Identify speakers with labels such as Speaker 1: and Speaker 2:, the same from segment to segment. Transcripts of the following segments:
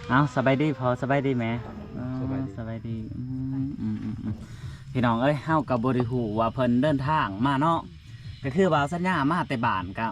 Speaker 1: เอาสบายดีพอสบายดีไหม
Speaker 2: สบายดี
Speaker 1: สบายดีพี่น้องเอ้ยเฮากับบริหูว่าเพิ่นเดินทางมาเนาะก็คือว่าสัญญามาแต่บ้านกับ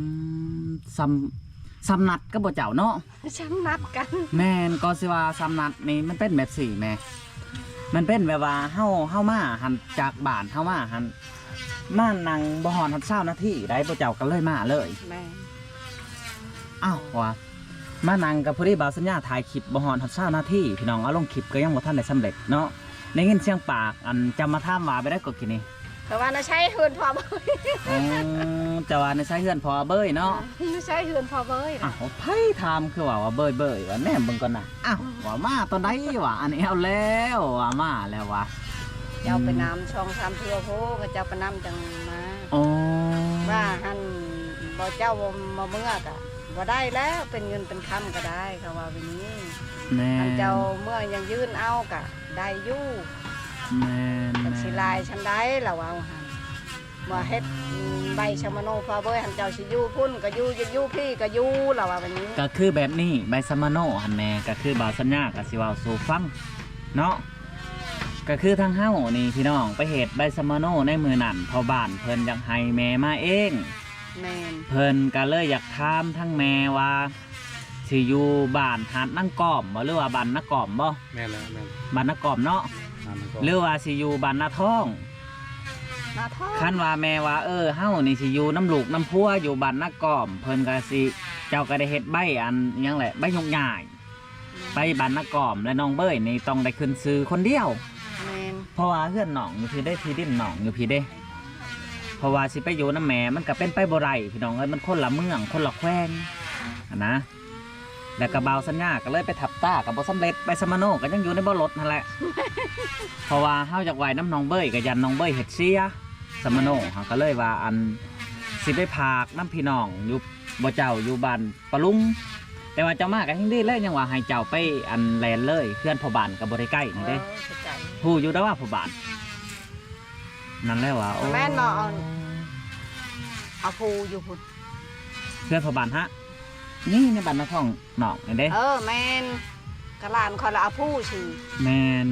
Speaker 1: ซ้ำนัดก็บ่เจ้าเนาะ
Speaker 3: ช้ำนัดกัน
Speaker 1: แม่นก็สิว่าซ้ำนัดนี่มันเป็นแบบสี่แม่มันเป็นแบบว่าเฮามาหันจากบ้านเฮามาหันมานั่งบ่ฮอด20นาทีได้บ่เจ้าก็เลยมาเลย
Speaker 3: แม่
Speaker 1: อ้าวว่ามานั่งกับผู้ที่บ่าวสัญญาถ่ายคลิปบ่ฮอด20นาทีพี่น้องเอาลงคลิปก็ยังบ่ทันได้สำเร็จเนาะได้ยินเสียงปากอันจำมาถามว่าไปได้ก็กินนี่
Speaker 3: แต่ว่าน่าใช้เฮือนพอเบย
Speaker 1: จะว่าในใช้เฮือนพอเบยเนาะ
Speaker 3: น่าใช้เฮือนพอเบย
Speaker 1: อ้าวไผถามคือว่าเบยว่าแน่เบิ่งก่อนน่ะอ้าวว่ามาตอนใดวะอันนี้เอาแล้วว่ามาแล้ววะ
Speaker 3: เจ้าไปน้ำช่อง3เทื่อโพก็เจ้าไปน้ำจังมา
Speaker 1: อ๋อ
Speaker 3: ว่าหันบ่เจ้ามาเมื่อกะบ่ได้แล้วเป็นเงินเป็นคำก็ได้เขาว่าแบบนี้
Speaker 1: แม่
Speaker 3: เจ้าเมื่อยังยื่นเอากะได้อยู่
Speaker 1: แม่
Speaker 3: สิลายฉันได้แล้วเอาหันว่าเฮ็ดใบชะมโนพาเบยหันเจ้าสิอยู่พุ่นก็อยู่พี่ก็อยู่แล้วว่าแบบนี้
Speaker 1: ก็คือแบบนี้ใบสมโนหันแม่ก็คือบ่าวสัญญาก็สิเว้าสู่ฟังเนาะก็คือทางเฮานี่พี่น้องไปเฮ็ดใบสมโนในมือนั่นพอบ้านเพิ่นอยากให้แม่มาเอง
Speaker 3: แม่น
Speaker 1: เพิ่นก็เลยอยากถามทั้งแม่ว่าสิอยู่บ้านหาดนางกอมบ่หรือว่าบ้านนากอมบ่
Speaker 2: แม่นแล้วแม่น
Speaker 1: บ้านนากอมเนาะหรือว่าสิอยู่บ้านนาท้องคันว่าแม่ว่าเฮานี่สิอยู่น้ำลูกน้ำพัวอยู่บ้านนากอมเพิ่นก็สิเจ้าก็ได้เฮ็ดใบอันหยังแหละใบยกใหญ่ไปบ้านนากอมและน้องเบ้ยนี่ต้องได้ขึ้นซื้อคนเดียว
Speaker 3: แม่น
Speaker 1: เพราะว่าเฮือนน้องอยู่พี่ได้ที่ดินน้องอยู่พี่เด้เพราะว่าสิไปอยู่น้ำแม่มันก็เป็นไปบ่ได้พี่น้องเอ้ยมันคนละเมืองคนละแคว้นนะแล้วก็บ่าวสัญญาก็เลยไปทับตากับบ่สำเร็จไปสมโนก็ยังอยู่ในบ่รถนั่นแหละ เพราะว่าเฮาอยากไหวน้ำน้องเบ้ยก็ยันน้องเบ้ยเฮ็ดเสียสมโนเฮาก็เลยว่าอันสิไปพากน้ำพี่น้องอยู่บ่เจ้าอยู่บ้านปะลุงแต่ว่าเจ้ามาก็ยังดีเลยยังว่าให้เจ้าไปอันแลนเลยเพื่อนพ่อบ้านก็บ่ได้ใกล้นี่เด้ฮู้อยู่แต่ว่าพ่อบ้านนั่นแหละว่าโอ้
Speaker 3: แม่นบ่เอาผู้อยู่พุ่น
Speaker 1: เพื่อนพ่อบ้านฮะนี่ในบ้านนาท้องน้องนี่เด้
Speaker 3: แม่นกะหลานคอยละเอาผู้ชื่อ
Speaker 1: แม่น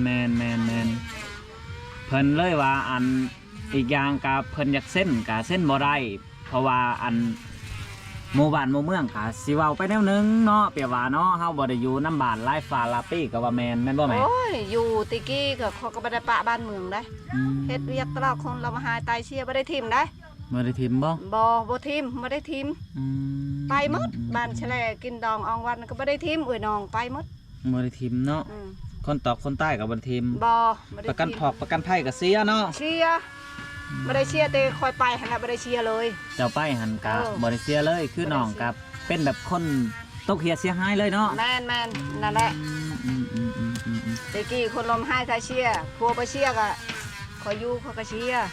Speaker 1: เพิ่นเลยว่าอันอีกอย่างกับเพิ่นอยากเส้นกับเส้นบ่ได้เพราะว่าอันหมู่บ้านหมู่เมืองค่ะสิเว้าไปแนวนึงเนาะเปรียบว่าเนาะเฮาบ่ได้อยู่น้ำบ้านหลายฟ้าลาปี้ก็ว่าแม่นบ่แม่
Speaker 3: โอ้ยอยู่ติกี้ก็เขาก็บ่ได้ปะบ้านเมืองได้เฮ็ดเวียกตลอดคนเรามาหาตายเชียบ่ได้ทิ่มได้
Speaker 1: บ่ได้ทิ่ม
Speaker 3: บ่ทิ่มบ่ได้ทิ่มไปหมดบ้านแฉลกินดองอองวันก็บ่ได้ทิ่มน้องไปหมด
Speaker 1: บ่ได้ทิ่มเนาะคนตอกคนใต้ก็บ่ได้ทิ่ม
Speaker 3: บ่
Speaker 1: ประกันพอกประกันภัยก็เสียเนาะ
Speaker 3: เชียบ่ได้เชียแต่คอยไปหั่นน่ะบ่ได้เชียเลย
Speaker 1: เจ้าไปหั่นก็บ่ได้เสียเลยคือน้องกับเป็นแบบคนตกเหียเสียหายเลยเนาะ
Speaker 3: แม่นนั่นแหละตะกี้คนลมหายตายเชียพัวไปเชียก็คอยอยู่เขาก็เชีย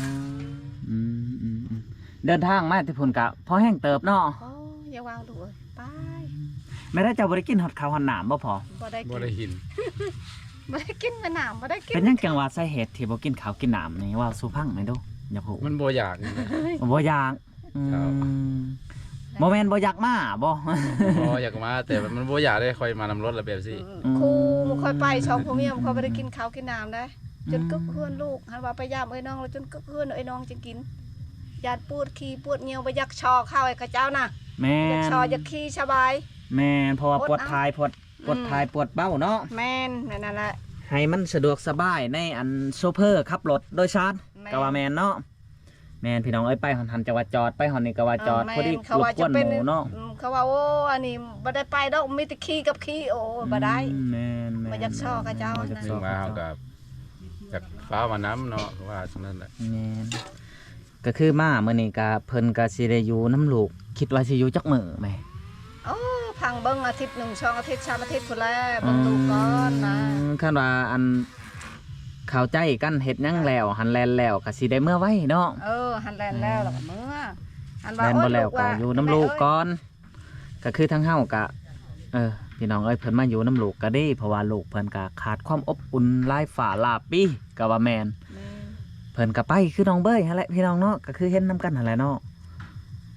Speaker 1: เดินทางมาที่พุ่นกะพอแห้งเติบเนาะ
Speaker 3: อย่าวางดูไป
Speaker 1: ไม่ได้เจ้าบ่ได้กินฮอดข้าวฮอดน้ำบ่พอ
Speaker 2: บ่ได้กิน
Speaker 3: บ่ได้กินมะนาวบ่ได้กิน
Speaker 1: เป็นยังจังว่าสาเหตุที่บ่กินข้าวกินน้ำนี่ว่าสู่พังไหมดูอยากฮู้
Speaker 2: มันบ่อยาก
Speaker 1: บ่อยากบ่แม่นบ่อยากมาบ่
Speaker 2: อยากมาแต่มันบ่อยากได้ค่อยมานำรถละแบบสิ
Speaker 3: ครูบ่ค่อยไปช่องพ่อเมียเขาบ่ได้กินข้าวกินน้ำได้จนกึกเฮือนลูกหันว่าไปยามน้องแล้วจนกึกเฮือนน้องจึงกินยาดปวดขี้ปวดเหี่ยวบ่อยากชอข้าวให้กับเจ้านะ
Speaker 1: แม่น
Speaker 3: อยากชออยากขี้สบาย
Speaker 1: แม่นเพราะว่าปวดท้ายปวดเบ้าเนาะ
Speaker 3: แม่นนั่นแหละ
Speaker 1: ให้มันสะดวกสบายในอันโซเฟอร์ขับรถโดยสารก็ว่าแม่นเนาะแม่นพี่น้องเอ้ยไปหันจังหวัดจอดไปหันนี่ก็ว่าจอดพอดีรบกวนหมู่เนาะ
Speaker 3: เขาว่าโอ้อันนี้บ่ได้ไปดอกมีแต่ขี้กับขี้โอ้บ่ได้
Speaker 1: แม่น
Speaker 3: บ่อยากชอกับเจ้านะ
Speaker 2: ซึ่งมาเฮากับจากฟ้ามาน้ำเนาะว่าฉะนั้นแหละ
Speaker 1: แม่นก็คือมาเมื่อนี้ก็เพิ่นก็สิได้อยู่น้ำลูกคิดว่าสิอยู่จักมื้อแม่
Speaker 3: พังเบิ่งอาทิตย์1 2อาทิตย์3อาทิตย์พุ่นแล้วเบิ่งลูกก่อนนะ
Speaker 1: คันว่าอันเข้าใจกันเฮ็ดหยังแล้วหันแลนแล้วก็สิได้เมื่อไว้เนาะ
Speaker 3: หันแลนแล้วก็เมื่อ
Speaker 1: หันว่าบ่แล้วก็อยู่น้ำลูกก่อนก็คือทั้งเฮาก็พี่น้องเอ้ยเพิ่นมาอยู่น้ำลูกก็ดีเพราะว่าลูกเพิ่นก็ขาดความอบอุ่นหลายฝ่าหลายปีก็ว่าแม่นเพิ่นก็ไปคือน้องเบ้ยหั่นแหละพี่น้องเนาะก็คือเห็นนำกันหั่นแหละเนาะท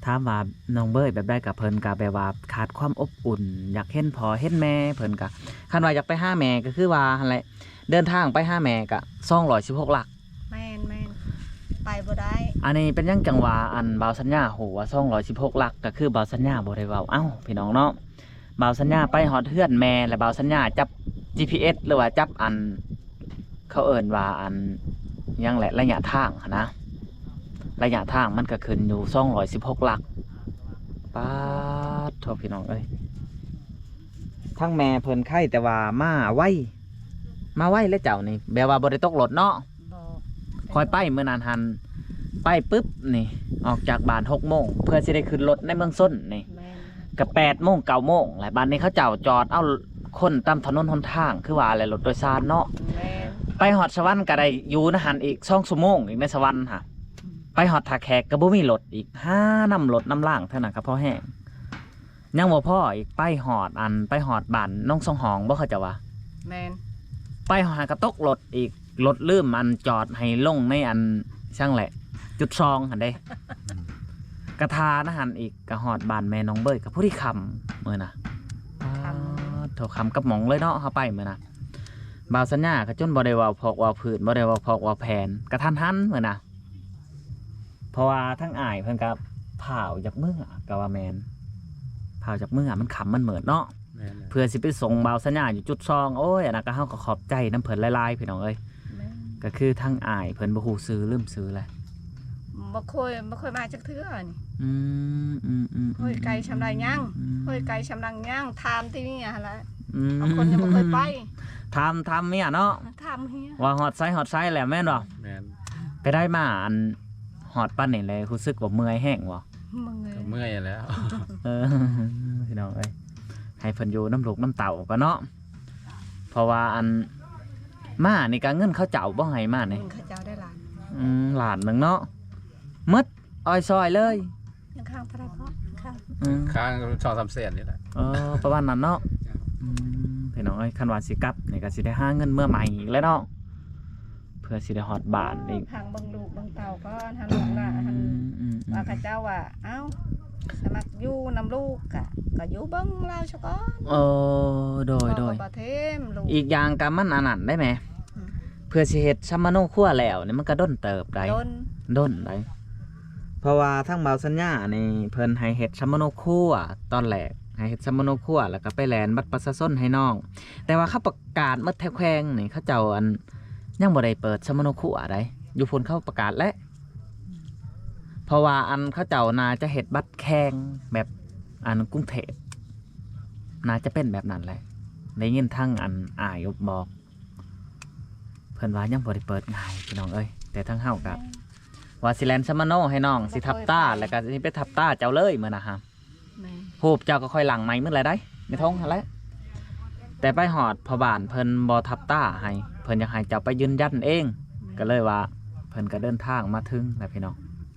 Speaker 1: ามว่าน้องเบยแบบได้กับเพิ่นก็แบบว่าขาดความอบอุ่น อยากเห็นพ่อเห็นแม่เพิ่นก็คันว่าอยากไปหาแม่ก็คือว่าหั่นแหละเดินทางไปหาแม่ก็216หลัก
Speaker 3: แม่นไปบ่ได้
Speaker 1: อันนี้เป็นยังจังหวะอันบ่าวสัญญาโหว่า216หลักก็คือบ่าวสัญญาบ่ได้เว้าเอ้าพี่น้องเนาะบ่าวสัญญาไปฮอดเฮือนแม่และบ่าวสัญญาจับ GPS หรือว่าจับอันเขาเอิ้นว่าอันยังแหละระยะทางหั้นนะระยะทางมันก็ขึ้นอยู่216หลักป๊าดโทษพี่น้องเอ้ยทั้งแม่เพิ่นไข้แต่ว่ามาไวแล้วเจ้านี่แบบว่าบ่ได้ตกรถเนาะ
Speaker 3: บ่
Speaker 1: คอยไปเมื่อนานหันไปปุ๊บนี่ออกจากบ้าน6 โมงเพื่อสิได้ขึ้นรถในเมืองส้นนี่
Speaker 3: แม่น
Speaker 1: ก็8 โมง 9 โมงแหละบ้านนี้เขาเจ้าจอดเอาคนตามถนนหนทางคือว่าอะไรรถโดยสารเนาะ
Speaker 3: แม่น
Speaker 1: ไปฮอดสวรรค์ก็ได้อยู่นะหันอีก2 ชั่วโมงอีกในสวรรค์ค่ะไปฮอดท่าแขกก็บ่มีรถอีก5นำรถนำล่างเท่านั้นก็พอแห้งยังบ่พออีกไปฮอดบ้านน้องสองหองบ่เขาเจะว่า
Speaker 3: แม่น
Speaker 1: ไปหากระตกรถอีกรถลืมอันจอดให้ลงในอันช่างแหละจุดซองหันเด้กระทานะหันอีกกระหอดบานแม่น้องเบยกับผู้ที่คำเมื่อนะโถคำกับหมองเลยเนาะเข้าไปเมื่อนะบ่าวสัญญาก็จนบ่ได้ว่าพอกว่าผืนบ่ได้ว่าพอกว่าแผนกระทันหันเมื่อนะเพราะว่าทั้งอายเพิ่นกับเผาจากเมื่อกับว่าแมนเผาจากเมื่อมันขำมันเหมือนเนาะ
Speaker 2: แม่น
Speaker 1: เพื่อสิไปส่งบ่าวสัญญาอยู่จุดซองโอ้ยอันนั้นก็เฮาก็ขอบใจน้ำเพิ่นหลายๆพี่น้องเอ้ย
Speaker 3: แม่น
Speaker 1: ก็คือทั้งอายเพิ่นบ่ฮู้ซื้อลืมซื้อแหละ
Speaker 3: บ่เคยมาจักเทื่อนี่
Speaker 1: อืม
Speaker 3: เฮ้ยไกลชำไรยังเฮ้ยไกลชำรังยังถามที่นี่หั่นล่ะ
Speaker 1: อืม
Speaker 3: บางคนยังบ่เคยไป
Speaker 1: ทำเมียเนาะ
Speaker 3: ถามเฮีย
Speaker 1: ว่าฮอดไซแหละแม่นบ่
Speaker 2: แม่น
Speaker 1: ไปได้มาอันฮอดปานนี่เลยรู้สึกว่าเมื่อยแห้งบ่
Speaker 3: มึงเอ้
Speaker 2: ก็
Speaker 3: ย
Speaker 2: เมื่อยแล้ว
Speaker 1: เออพี่น้องเอ้ยให้เพิ่นอยู่น้ำลูกน้ำเต่าก็เนาะเพราะว่าอันมานี่ก็เงินเขาเจ้าบ่ให้มานี่
Speaker 3: มึงเขาเจ้าได้หลาน
Speaker 1: หลานหนึงเนาะหมดอ้อยซอยเลย
Speaker 3: ยังข้างพระพ่อข้าง
Speaker 1: อืม
Speaker 2: ค้าง2-3 แสนนี่แหละ
Speaker 1: ประมาณนั้นเนาะพี่น้องเอ้ยคันว่าสิกลับนี่ก็สิได้หาเงินเมื่อใหม่อีกแล้วเนาะเพื่อสิได้ฮอดบ้านอีก
Speaker 3: พังเบังลูกเบังเต่าก็หันลูกน่ะหันว่าเขาเจ้าว่าเอ้าสมัครอยู่นำลูกก็อยู่เบิ่งลาวซะก่อน
Speaker 1: โดย
Speaker 3: พ่อก็บ่เทมลูก
Speaker 1: อีกอย่างก็มันอันนั้นได้ไหม
Speaker 3: อืม
Speaker 1: เพื่อสิเฮ็ดซัมมาโนครัวแล้วนี่มันก็ด้นเติบได้
Speaker 3: โดน
Speaker 1: ได้เพราะว่าทั้งเบาสัญญานี่เพิ่นให้เฮ็ดซัมมาโนครัวตอนแรกให้เฮ็ดซัมมาโนครัวแล้วก็ไปแลนบัตรประชาชนให้น้อง แต่ว่าเขาประกาศหมดแถวแขวงนี่เขาเจ้าอันยังบ่ได้เปิดซัมมาโนครัวได้อยู่พุ่นเขาประกาศแล้วเพราะว่าอันเขาเจ้าน่าจะเฮ็ดบัตรแข่งแบบอันกรุงเทพน่าจะเป็นแบบนั้นแหละได้ยินทั้งอันอายบอกเพิ่นว่ายังบ่ได้เปิดง่ายพี่น้องเอ้ยแต่ทั้งเฮาก็ว่าสิแลนซัมมาโนให้น้องสิทับตาแล้วก็สิไปทับตาเจ้าเลยมื้อนะฮะ
Speaker 3: แม่
Speaker 1: ฮูบเจ้าก็ค่อยหลังไม้มื้อไรได้ไม่ท้องหั่นแหละแต่ไปหอดพอบ้านเพิ่นบ่ทับตาให้เพิ่นอยากให้เจ้าไปยืนยันเอง ก็เลยว่าเพิ่นก็เดินทางมาถึงแล้วพี่น้อง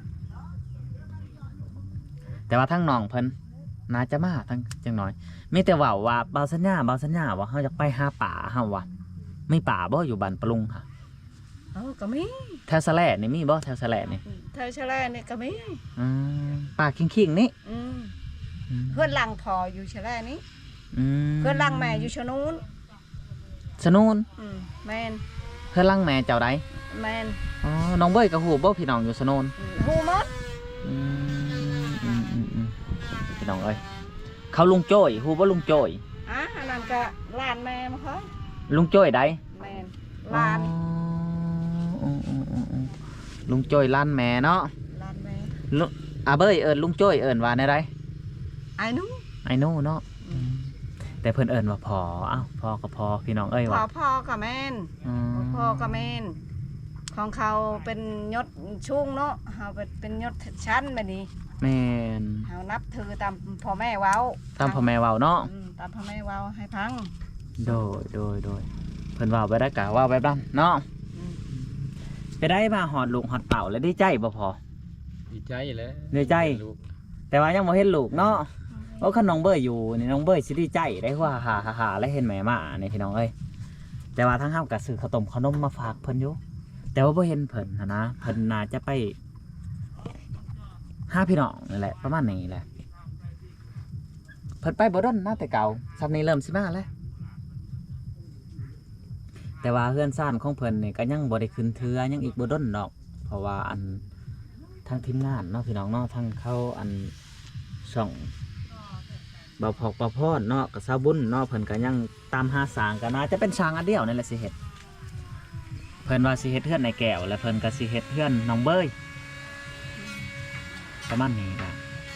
Speaker 1: แต่ว่าทั้งน้องเพิ่นน่าจะมาทั้งจังน้อยมีแต่เว้าว่าเบาสัญญาว่าเฮาอยากไปหาป่าเฮาว่ะมีป่าบ่อยู่บ้านปะลุงค่ะ
Speaker 3: เอ้าก็มี
Speaker 1: แถวสะแลนี่มีบ่แถวสะแลนี่
Speaker 3: เธอชะแลนี่ก็มี
Speaker 1: ป่าคิงๆนี่
Speaker 3: อืมเพื่อนหลังพออยู่ชะแลนี้เพื่อนหลังแม่อยู่ชะนู้น
Speaker 1: สนูน
Speaker 3: แม่น
Speaker 1: เพื่อนหลังแม่เจ้าใด
Speaker 3: แม่น
Speaker 1: อ๋อน้องเบ้ยกับฮู้บ่พี่น้องอยู่สนูน
Speaker 3: ฮู้หมด
Speaker 1: พี่น้องเอ้ยเขาลุงโจ้ยฮู้บ่ลุงโจ้ย
Speaker 3: อันนั้นก็หลานแม่มาเขา
Speaker 1: ลุงโจ้ยใด
Speaker 3: แม่นหลาน
Speaker 1: ลุงโจ้ยล้านแม่เนาะ
Speaker 3: หลานแม่
Speaker 1: เบ้ยเอิ้นลุงโจ้ยเอิ้นว่าแนวใด
Speaker 3: ไอ้หนู้
Speaker 1: ไอ้โน่เนาะแต่เพิ่นเอิ้นว่าพออ้าวพอก็พอพี่น้องเอ้ย
Speaker 3: พ่
Speaker 1: ว่า
Speaker 3: อกับแม่นพ่อกับแม่นของเขาเป็นยศช่วงเนาะเฮาเป็นยศชั้นแบบนี้
Speaker 1: แม่น
Speaker 3: เฮานับถือตามพ่อแม่เว้า
Speaker 1: ตามพ่อแม่เว้าเนาะ
Speaker 3: ตามพ่อแม่เว้าให้พัง
Speaker 1: โดยเพิ่นเว้าไปได้กะว่าแบบนั้นเนาะไปได้มาหอดลูกหอดเต่าแล้วดีใจบ่พอ
Speaker 2: ดีใจแล้ว
Speaker 1: ดีใจ
Speaker 2: ลูก
Speaker 1: แต่ว่ายังบ่เห็นลูกเนาะโอ้คันน้องเบยอยู่นี่น้องเบยสิดีใจได้ว่าหาแล้วเห็นแม่มานี่พี่น้องเอ้ยแต่ว่าทั้งเฮาก็ซื้อข้าวต้มขนมมาฝากเพิ่นอยู่แต่ว่าบ่เห็นเพิ่นหั้นนะเพิ่นน่าจะไป 5พี่น้องนี่แหละประมาณนี้แหละเพิ่นไปบ่ดนนะแต่เก่าซับนี้เริ่มสิมาแล้วแต่ว่าเฮือนซ่านของเพิ่นนี่ก็ยังบ่ได้ขึ้นเทือยังอีกบ่ดนดอกเพราะว่าอันทางทีมงานเนาะพี่น้องเนาะทางเขาอันช่องบ่าวพอกบ่าวพรเนาะกับสาวบุญเนาะเพิ่นก็ยังตามหาสร้างก็น่าจะเป็นสร้างอันเดียวนั่นแหละสิเฮ็ดเพิ่นว่าสิเฮ็ดเฮือนในแก้วและเพิ่นก็สิเฮ็ดเฮือนน้องเบยประมาณนี้ล่ะ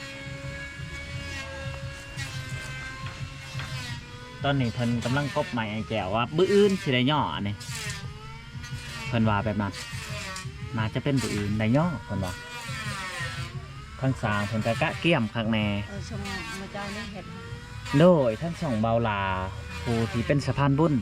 Speaker 1: ตอนนี้เพิ่นกำลังกบใหม่ไอ้แก้วว่าบื้ออื่นสิได้ย่ออันนี้เพิ่นว่าแบบนั้นน่าจะเป็นบื้ออื่นได้ย่อเพิ่นว่าข้างสร้างเพิ่นก็กะเกี้ยมคักแน่
Speaker 3: ชมมาเจ้านี่เห็ด
Speaker 1: โดยทั้งสองเบาลาผู้ที่เป็นสะพานบุญ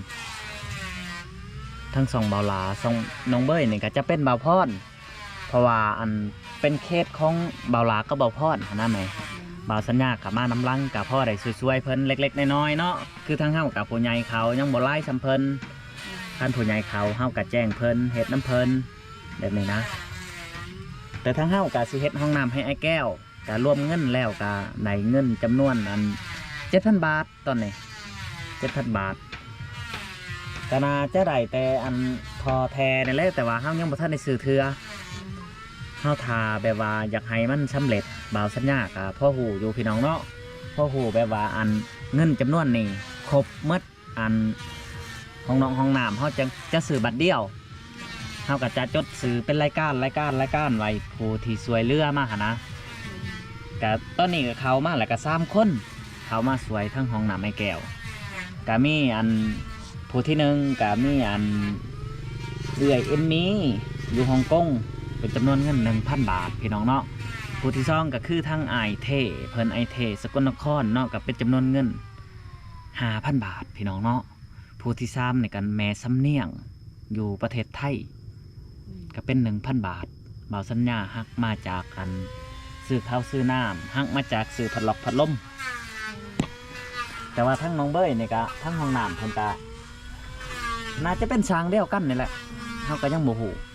Speaker 1: ทั้งสองเบาลาสองน้องเบยนี่ก็จะเป็นเบาพรเพราะว่าอันเป็นเคสของเบาลาก็เบาพรนะไหมเบาสัญญากับมาน้ำลังกับพ่อได้ช่วยๆเพิ่นเล็กๆน้อยๆเนาะคือทั้งเฮากับผู้ใหญ่เขายังบ่ไล่ซ้ำเพิ่นท่านผู้ใหญ่เขาเฮากับแจ้งเพิ่นเฮ็ดน้ำเพิ่นแบบนี้นะแต่ทั้งเฮากับสิเฮ็ดห้องน้ำให้ไอ้แก้วก็รวมเงินแล้วก็ได้เงินจำนวนอัน7,000 บาทตอนนี้7,000 บาทก็น่าจะได้แต่อันพอแทนี่แหละแต่ว่าเฮายังบ่ทันได้ซื้อเทื่อเฮาทาแบบว่าอยากให้มันสำเร็จบ่าวสัญญากับพ่อหูอยู่พี่น้องเนาะพ่อหูแบบว่าอันเงินจำนวนนี้ครบหมดอันห้องน้องห้องน้ำเฮาจะซื้อบัตรเดียวเฮาก็จะจดซื้อเป็นรายการไว้ผู้ที่ช่วยเหลือมาหั่นนะก็ตอนนี้ก็เข้ามาแล้วก็3 คนเขามาสวยทั้งห้องน้ำไอ้แก้วก็มีอันผู้ที่หนึ่งก็มีอันเอื้อยเอ็มมี่อยู่ฮ่องกงเป็นจำนวนเงิน 1,000 บาทพี่น้องเนาะผู้ที่2ก็คือทั้งไอเทเพิ่นไอเทสกลนครเนาะก็เป็นจำนวนเงิน 5,000 บาทพี่น้องเนาะผู้ที่3ในกันแม่สำเนียงอยู่ประเทศไทยก็เป็น 1,000 บาทบ่าวสัญญาหักมาจากกันซื้อข้าวซื้อน้ำหักมาจากซื้อพัดลมแต่ว่าทั้งน้องเบยนี่ก็ทั้งห้องน้ำเพิ่นก็น่าจะเป็นช้างเดียวกันนี่แหละเฮาก็ยังบ่ฮู้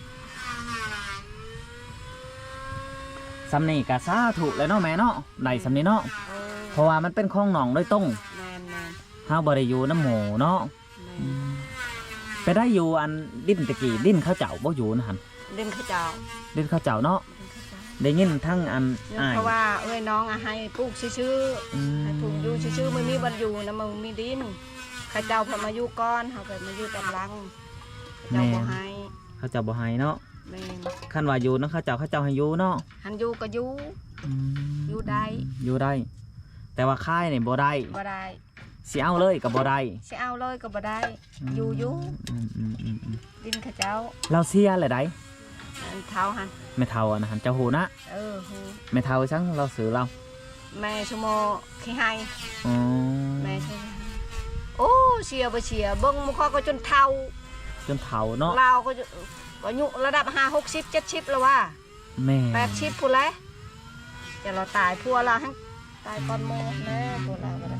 Speaker 1: สำนี่ก็สาธุเลยเนาะแม่เนาะได้สำนี่เนาะเพราะว่ามันเป็นของหนองโดยตรงเฮาบ่ได้อยู่น้ำหมูเนาะไปได้อยู่อันดิ้นตะกี้ดิ้นข้าวเจ้าบ่อยู่นะหั่น
Speaker 3: ดินข้าเจ้า
Speaker 1: ดิ้นข้าวเจ้าเนาะได้ยินทั้งอันอ้าย
Speaker 3: เพราะว่าเอ้ยน้องให้ปลูกชื่อให้ปลูกอยู่ชื่อมันมีบันอยู่นะมันมีดินข้าเจ้าพอมาอยู่ก้อนเขาไปมาอยู่ตำลังเจ้าบ่ให้
Speaker 1: ข้าวเจ้าบ่ให้เนาะ
Speaker 3: แม่น
Speaker 1: คันว่าอยู่เนาะข้าวเจ้าให้อยู่เนาะ
Speaker 3: หันอยู่ก็อยู่อยู่ได้
Speaker 1: อยู่ได้ แต่ว่าค่ายนี่บ่ได้
Speaker 3: บ่ได้
Speaker 1: สิเอาเลยก็บ่ได้
Speaker 3: สิเอาเลยก็บ่ได้อยู่ดินข้าเจ้า
Speaker 1: เราเสียเลยได้
Speaker 3: อันเท้าหัน
Speaker 1: ไม่เท่าอะนะหันเจ้าหูนะ
Speaker 3: หู
Speaker 1: ไม่เท่าจังเราซื้อเรา
Speaker 3: แม่ชั่วโมงขี้ให้
Speaker 1: อ๋อ
Speaker 3: แม่ชั่วโมงโอ้เชียบ่เชียเบิ่งมุขก็จนเท่า
Speaker 1: จนเท่าเนาะ
Speaker 3: เราก็อายุระดับ50 60 70แล้วว่า
Speaker 1: แม่
Speaker 3: 80พุ่นแล้วจะเราตายพัวเราทั้งตายก่อนโมแม่พัวเราก็ได้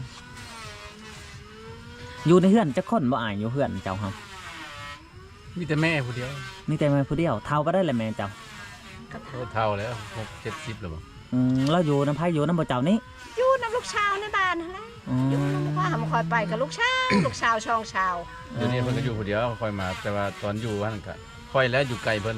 Speaker 1: อยู่ในเฮือนจะคนบ่อายอยู่เฮือนเจ้าเฮา
Speaker 2: มีแต่แม่ผู้เดียว
Speaker 1: นี่แต่แม่ผู้เดียวเท่าก็ได้เลยแม่เจ้า
Speaker 2: โอ้เท่าแล้ว60-70แล้วบ่
Speaker 1: เราอยู่น้ำไผอยู่น้ำบ่เจ้านี้
Speaker 3: อยู่น้ำลูกชาวในบ้านนั่นแหละอยู่น้ำพ่อหำคอยไปกับลูกชาวลูกชาวช่องชาว
Speaker 2: เดี๋ยวนี้เพิ่นก็อยู่ผู้เดียวค่อยมาแต่ว่าตอนอยู่ว่านั่นก็ค่อยแล้วอยู่ไกลเพิ่น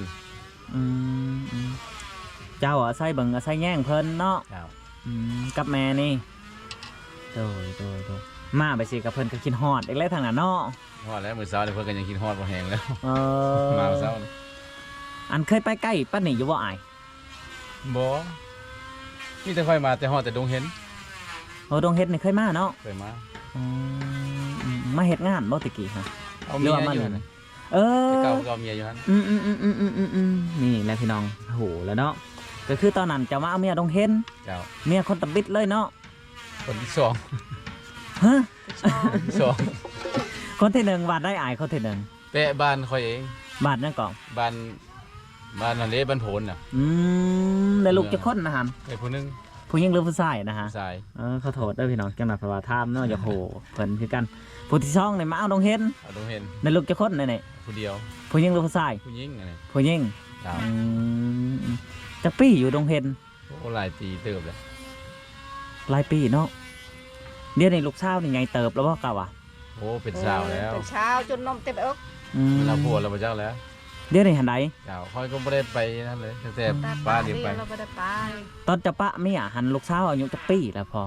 Speaker 1: เจ้าอาศัยเบิ่งอาศัยแย่งเพิ่นเนาะ
Speaker 2: เจ้า
Speaker 1: กับแม่นี่โดยมาไปสิกับเพิ่นก็คิดฮอดอีกแล้วทางนั้นเนาะ
Speaker 2: ฮอดแล้วมื้อเช้านี่เพิ่นก็ยังกินฮอดบ่แห้งแล้ว
Speaker 1: มา
Speaker 2: มื้อเช้านี่
Speaker 1: อันเคยไปใกล้ป้านนี่อยู่บ่อาย
Speaker 2: บ่มีแต่ค่อยมาแต่ฮอดแต่ดงเห็น
Speaker 1: โอ้ดงเฮ็ดนี่เคยมาเนาะ
Speaker 2: เคยมา
Speaker 1: มาเฮ็ดงานบ่ตะกี้ฮะ
Speaker 2: เอาเมียอยู่นั่น
Speaker 1: เออ
Speaker 2: แต่เก่าก็เอาเมียอยู่หั่น
Speaker 1: นี่แหละพี่น้องโหแล้วเนาะก็คือตอนนั้นจะมาเอาเมียดงเฮ็น
Speaker 2: เจ้า
Speaker 1: เมียคนตะบิดเลยเนาะ
Speaker 2: คนที่สอง
Speaker 1: ฮะ
Speaker 2: คนที่สอง
Speaker 1: คนที่หนึ่งบาทได้อายคนที่หนึ่ง
Speaker 2: แปะบ้านค่อยเอง
Speaker 1: บาทนั่นก่อน
Speaker 2: บ้านนั่นเด้บ้านโผนน่ะ
Speaker 1: ได้ลูกจะคนนะฮะ
Speaker 2: ไอ้ผู้หนึง
Speaker 1: ผู้หญิงหรือผู้ชายนะฮะ
Speaker 2: สาย
Speaker 1: ขอโทษด้วยพี่น้องจังหวัดพระวาทามเนาะอย่าโหเพิ่นคือกันผู้ที่ช่องนี่มาเอาดงเฮ็น
Speaker 2: เอาดงเห็น
Speaker 1: ได้ลูกจะคนนี่
Speaker 2: ผู้เดียว
Speaker 1: ผู้หญิงหรือผู้ชาย
Speaker 2: ผู้หญิงอันนี้
Speaker 1: ผู้หญิง
Speaker 2: เจ้า
Speaker 1: จักปี้อยู่ดงเฮ็น
Speaker 2: หโอ้หลายปีเติบเลย
Speaker 1: หลายปีเนาะเดี๋ยวนี้ลูกสาวนี่ไงเติบแล้วบ่กะวะ
Speaker 2: โอ้เป็นสาวแล้ว
Speaker 3: เป็นเช้าจนนมเต็มอก
Speaker 2: เราปวดเราไปเจ้าแล้ว
Speaker 1: เดี๋ยวนี้หันใด
Speaker 2: เจ้าค่อยก็ไม่ได้ไปนั่นเลยตั้งแต่ป้าเดียวไป
Speaker 3: เราไม่ได้ไป
Speaker 1: ตอนจะปะเมียหันลูกสาวอายุจักปีแล้วพอ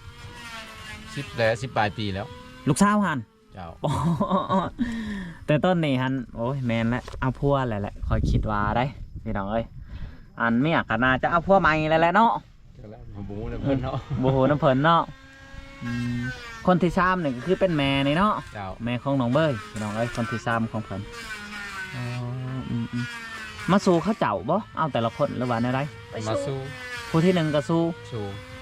Speaker 2: 10 ปลายปีแล้ว
Speaker 1: ลูกสาวหัน
Speaker 2: เจ้า
Speaker 1: แต่ต้นนี่ฮันโอ้ยแมนแล้วเอาพัวแหละคอยคิดว่าได้พี่น้องเอ้ยอันเมียก็น่าจะเอาพัวใหม่แล้วแหละเนาะ
Speaker 2: เจ้าแล้วผมบูเลยเพื่อนเนาะ
Speaker 1: โอ้โหน้ำเพลินเนาะอืมคนที่ซ้ำเนี่ยก็คือเป็นแม่นี่เนาะ
Speaker 2: เจ้า
Speaker 1: แม่ของน้องเบยพี่น้องเอ้ยคนที่ซ้ำของเพิ่นอ๋อมาสู้เขาเจ้าบ่เอาแต่ละคนหรือว่าในไร
Speaker 3: ไป
Speaker 2: มา
Speaker 3: สู้
Speaker 2: สู้
Speaker 1: ผู้ที่หนึ่งก็สู้
Speaker 2: สู้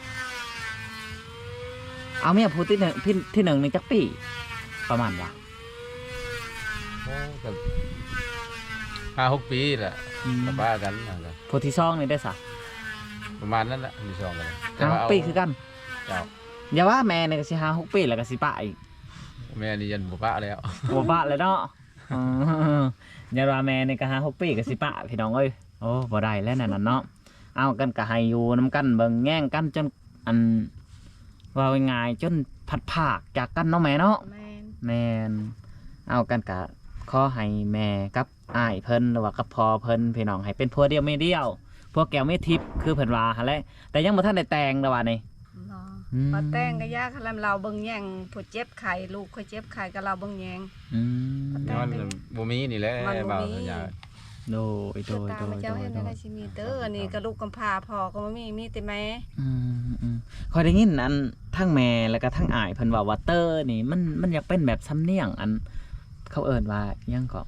Speaker 1: เอาเมียผู้ที่หนึ่งที่หนึ่งนี่จักปีประมาณว่า
Speaker 2: โอ้กับ5-6 ปีแหละ
Speaker 1: อืม
Speaker 2: กับป้ากันนะครับ
Speaker 1: ผู้ที่สองนี่ได้สัก
Speaker 2: ประมาณนั้นแหละที่สองกันแต่
Speaker 1: ห้า
Speaker 2: ว่า
Speaker 1: หก
Speaker 2: เอา
Speaker 1: ปีคือกัน
Speaker 2: เจ้า
Speaker 1: อย่าว่าแม่เนี่ยก็สิ5-6 ปีแล้วก็สิปะอีก
Speaker 2: แม่นี่ยันบุป้าแล้ว
Speaker 1: บัวปะเลยเนาะอ๋อยาราแมนในกะ5-6 ปีกับสิปะพี่น้องเอ้ยโอ้บ่ได้แล้วนั่นน่ะเนาะเอากันกะให้อยู่น้ำกันเบิ่งแย่งกันจนอันว่าง่ายๆจนพัดภาคจากกันเนาะแม่เนาะ
Speaker 3: แมน
Speaker 1: แม่นเอากันกะขอให้แม่กับอ้ายเพิ่นหรือว่ากับพ่อเพิ่นพี่น้องให้เป็นผัวเดียวไม่เดียวพวกแก้วไม่ทิพย์คือเพิ่นว่าหั่นแหละแต่ยังบ่ทันได้แต่งดอกว่านี่
Speaker 3: เนาะ
Speaker 1: อืม
Speaker 3: มาแต่งก็ยากคันเราเบิ่งแย่งผู้เจ็บไข้ลูกเคยเจ็บไข้ก็เราเบิ่งแย่ง
Speaker 1: อืม
Speaker 2: ย้อนบ่มีนี่แหละ
Speaker 3: มันบ่มี
Speaker 2: บ่าวสัญญา
Speaker 1: โดยโด
Speaker 3: คือย ตา
Speaker 1: โด
Speaker 3: มาย เจ้า
Speaker 1: โดย
Speaker 3: เห็น
Speaker 1: โด
Speaker 3: อะไร
Speaker 1: ย
Speaker 3: สิมีเด้อนี่ก็ลูกกำพร้าพ่อก็บ่มีแต่แม่
Speaker 1: คอยได้ยินอันทั้งแม่แล้วก็ทั้งอ้ายเพิ่นว่าเตอร์นี่มันอยากเป็นแบบสำเนียงอันเขาเอิ้นว่าอิหยังก็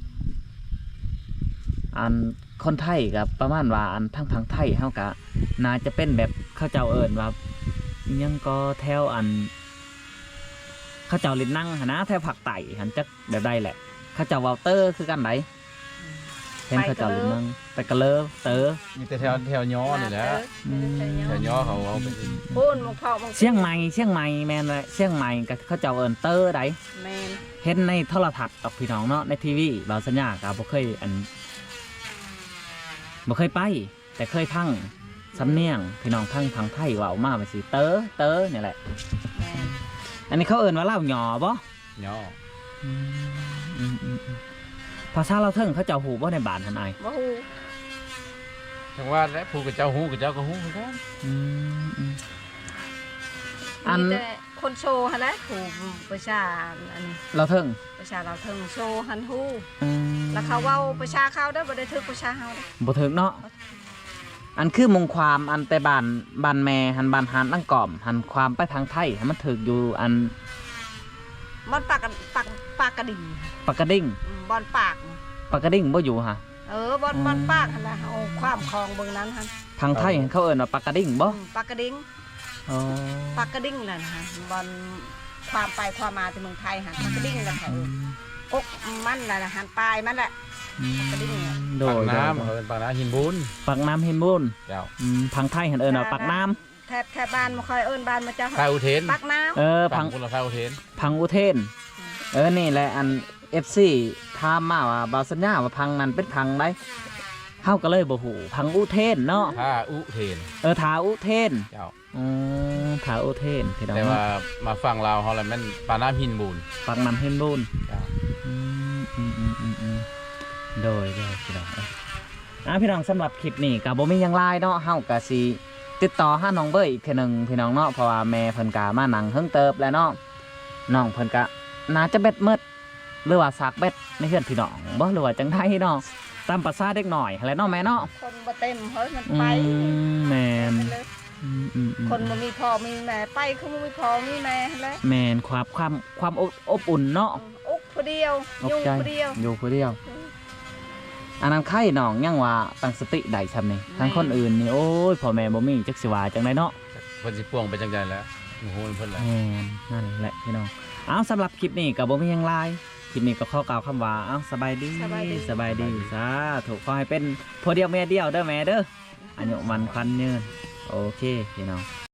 Speaker 1: อันคนไทยกับประมาณว่าอันทั้งพังไทยเฮาก็น่าจะเป็นแบบเขาเจ้าเอิ้นว่าอิหยังก็แถวอันเขาเจ้าลิ้นนั่งหั่นนะแถวภาคใต้หันจักแบบใดแหละเขาเจ้าเว้าเตอร์คือกันไดเห็นเขาเจ้าลิ้นนั่งไปกะเลอเตอร์
Speaker 2: มีแต่แถวย้อนี่แหละ
Speaker 3: แถว
Speaker 2: แถวย้อเขาเอาไป
Speaker 3: พูนมงพ่อมง
Speaker 1: เชียงใหม่แม่นเลยเชียงใหม่ก็เขาเจ้าเอิ้นเตอร์ได
Speaker 3: แมน
Speaker 1: เห็นในโทรทัศน์กับพี่น้องเนาะในทีวีบาวสัญญากับบ่เคยบ่เคยไป แต่เคยพังสำเนียงพี่น้องพังทางไทยเว่ามาไปสิเตอนี่แหละ
Speaker 3: แมน
Speaker 1: อันนี้เขาเอิ้นว่าเล่าหยอบ่
Speaker 2: ย้อ
Speaker 1: ภาษาเราวเทิงเขาเจ้าหูบ่ในบ้านหันอาย
Speaker 3: บ่ฮู้
Speaker 2: ทั้งว่าและผู้กับเจ้าฮู้กับเจ้าก็ฮู้คือกัน
Speaker 1: อัน
Speaker 3: มีแต่คนโชว์หั่นแหละผู้ประชาอัน
Speaker 1: เราวเทิง
Speaker 3: ประชาเราเทิงโชว์หันฮู้
Speaker 1: อืม
Speaker 3: แล้วเขาเว้าประชาเขาเด้อบ่ได้ถึกประชาเฮาเด้อ
Speaker 1: บ่ถึงเนาะอันคือมงความอันแต่บ้านแม่หันบ้านหานตั้งกล่อมหันความไปทางไทยให้มันถึกอยู่อัน
Speaker 3: บ่อนปากกันปากกระดิ่ง
Speaker 1: ปากกระดิ่ง
Speaker 3: บ่อนปาก
Speaker 1: ปากกระดิ่งบ่อยู่ฮะ
Speaker 3: บ่อนปากหั่นล่ะเอาความคลองเบิ่งนั้นหั่น
Speaker 1: ทางไทยเขาเอิ้นว่าปากกระดิ่งบ่
Speaker 3: ปากกระดิ่ง
Speaker 1: อ๋อ
Speaker 3: ปากกระดิ่งนั่นฮะบ่อนความไปความมาที่เมืองไทยหั่นปากกระดิ่งนั่นค่ะกกมันน่ะหั่นปลายมันแหละ กระดิ่งเนี่ย
Speaker 1: โด
Speaker 2: ปาก
Speaker 1: ย
Speaker 2: น้ำเขาเป็นปากน้ำหินบุญ
Speaker 1: ปากน้ำเฮนบุญ
Speaker 2: เจ้า
Speaker 1: พังไทยเห็นเอิญว่าปากน้
Speaker 3: แทบบ้านบ่ค่อยเอิ้นบ้านมาเจ้า
Speaker 2: พาอุเทน
Speaker 3: ปากน้ำ
Speaker 1: ำพั
Speaker 2: ฝั่
Speaker 1: ง
Speaker 2: งคนละพาอุเทน
Speaker 1: พังอุเทน นี่แหละอัน FC ถามมาว่าบาวสัญญาว่าพังนั้นเป็นพังได้เฮาก็เลยบ่ฮู้พังอุเทนเนาะ
Speaker 2: พาอุเทน
Speaker 1: ทาอุเทน
Speaker 2: เจ้า
Speaker 1: ทาอุเทนพี่น้อง
Speaker 2: แต่ว่ามาฝั่งลาวเขาแหละแม่นปากน้ำหินบุญ
Speaker 1: ปากน้ำเฮนบุญ
Speaker 2: เจ้า
Speaker 1: โดยพี่น้องพี่น้องสำหรับคลิปนี้ก็บ่มีหยังหลายเนาะเฮาก็สิติดต่อหาน้องเบยอีกเทื่อหนึงพี่น้องเนาะเพราะว่าแม่เพิ่นก็มานั่งเฮิงเติบแล้วเนาะน้องเพิ่นก็น่าจะเบ็ดมืดหรือว่าสากเบ็ดในเฮือนพี่น้องบ่หรือว่าจังไดเนาะตามภาษาเด็กหน่อยแหละเนาะแม่เนาะ
Speaker 3: คนบ่เต็มเฮ้ยมันไป
Speaker 1: แม่น
Speaker 3: คนบ่มีพ่อมีแม่ไปคือบ่มีพ่อมีแม่หั่นแหละ
Speaker 1: แม่นความอบอุ่นเนาะ
Speaker 3: อุกผู้เดียว
Speaker 1: อบ
Speaker 3: ยุ่ง
Speaker 1: ใจ
Speaker 3: ผู้เดียว
Speaker 1: อยู่ผู้เดียวอันนั้นไข่น้องยังว่าตั้งสติได้ซำนี่ทั้งคนอื่นนี่โอ้ยพ่อแม่บ่มีจักสิว่าจังไดเนาะ
Speaker 2: เพิ่นสิป่วงไปจังใดแล้วโอ้โหเพิ่นแหละ
Speaker 1: แม่นนั่นแหละพี่น้องเอาสำหรับคลิปนี้ก็บ่มีหยังหลายคลิปนี้ก็ขอกล่าวคำว่าเอาสบายดีสบายดีสาธุขอให้เป็นผัวเดียวแม่เดียวเด้อแม่เด้ออายุมันควันยืนโอเคพี่น้อง